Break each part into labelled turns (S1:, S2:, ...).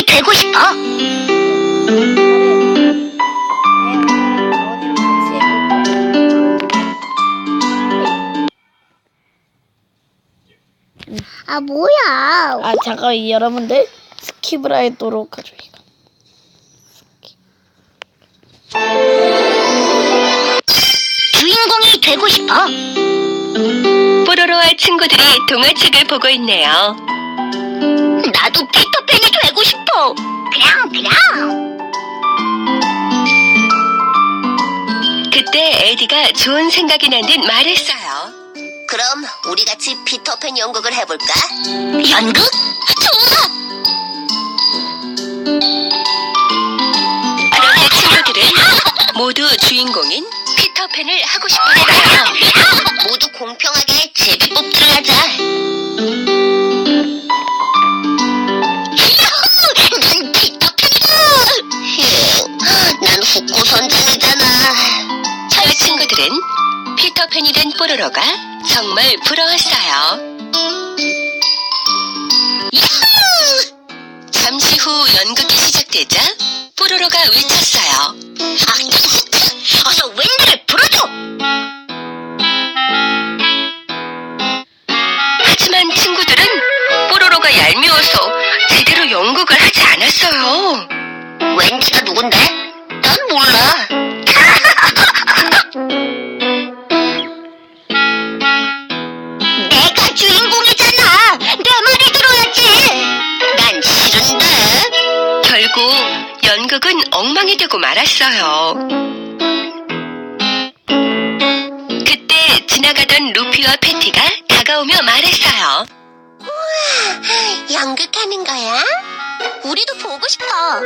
S1: 되고 싶어. 아, 뭐야.
S2: 아, 잠깐, 여러분들 스킵을 하도록 하죠. 이거.
S1: 주인공이 되고 싶어.
S3: 뽀로로와 친구들이 동화책을 보고 있네요.
S1: 나도 피터팬이 되고 싶어. 그럼.
S3: 그때 에디가 좋은 생각이 난 듯 말했어요.
S1: 그럼 우리 같이 피터팬 연극을 해볼까? 연극? 좋아!
S3: 그런데 친구들은 모두 주인공인 피터팬을 하고 싶었어요.
S1: 모두 공평하게 제비뽑기를 하자. 난 피터팬이다! 난 후쿠 선장이잖아.
S3: 저 친구들은 피터팬이 된 뽀로로가 정말 부러웠어요. 잠시 후 연극이 시작되자 뽀로로가 외쳤어요.
S1: 어서 웬일을 불어줘!
S3: 하지만 친구들은 뽀로로가 얄미워서 제대로 연극을 하지 않았어요.
S1: 웬지가 누군데? 난 몰라. 내가 주인공이잖아. 내 말을 들어야지. 난 싫은데.
S3: 결국 연극은 엉망이 되고 말았어요. 그때 지나가던 루피와 패티가 다가오며 말했어요.
S1: 연극하는 거야? 우리도 보고 싶어.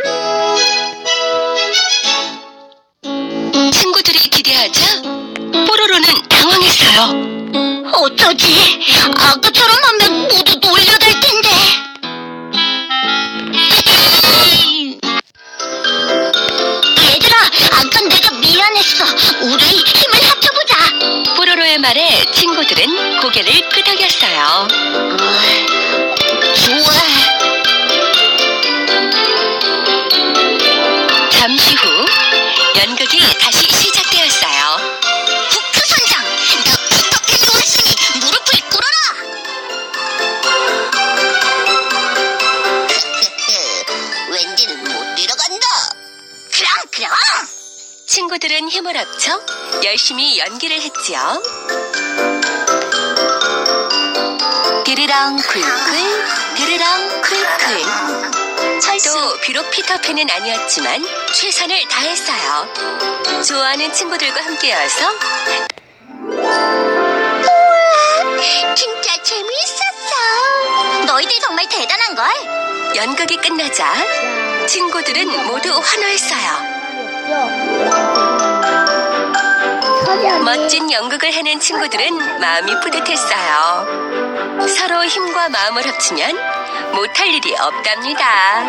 S3: 친구들이 기대하자 뽀로로는 당황했어요.
S1: 어쩌지? 아까처럼 하면 모두 놀려댈 텐데. 얘들아, 아까 내가 미안했어. 우리 힘을 합쳐보자.
S3: 뽀로로의 말에 친구들은 고개를 끄덕였어요.
S1: 좋아.
S3: 잠시 후 연극이 다시 시작되었어요.
S1: 후크 선장, 너 피터팬이 왔으니 무릎을 꿇어라. 왠지는 못 들어간다. 그럼.
S3: 친구들은 힘을 합쳐 열심히 연기를 했지요. 디르랑 쿨쿨, 디르랑 쿨쿨. 또 비록 피터팬은 아니었지만 최선을 다했어요. 좋아하는 친구들과 함께여서
S1: 진짜 재미있었어. 너희들 정말 대단한걸.
S3: 연극이 끝나자 친구들은 모두 환호했어요. 멋진 연극을 해낸 친구들은 마음이 뿌듯했어요. 서로 힘과 마음을 합치면 못할 일이 없답니다.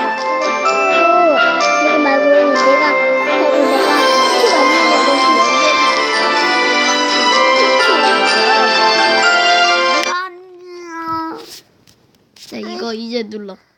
S2: 자, 이거 이제 눌러.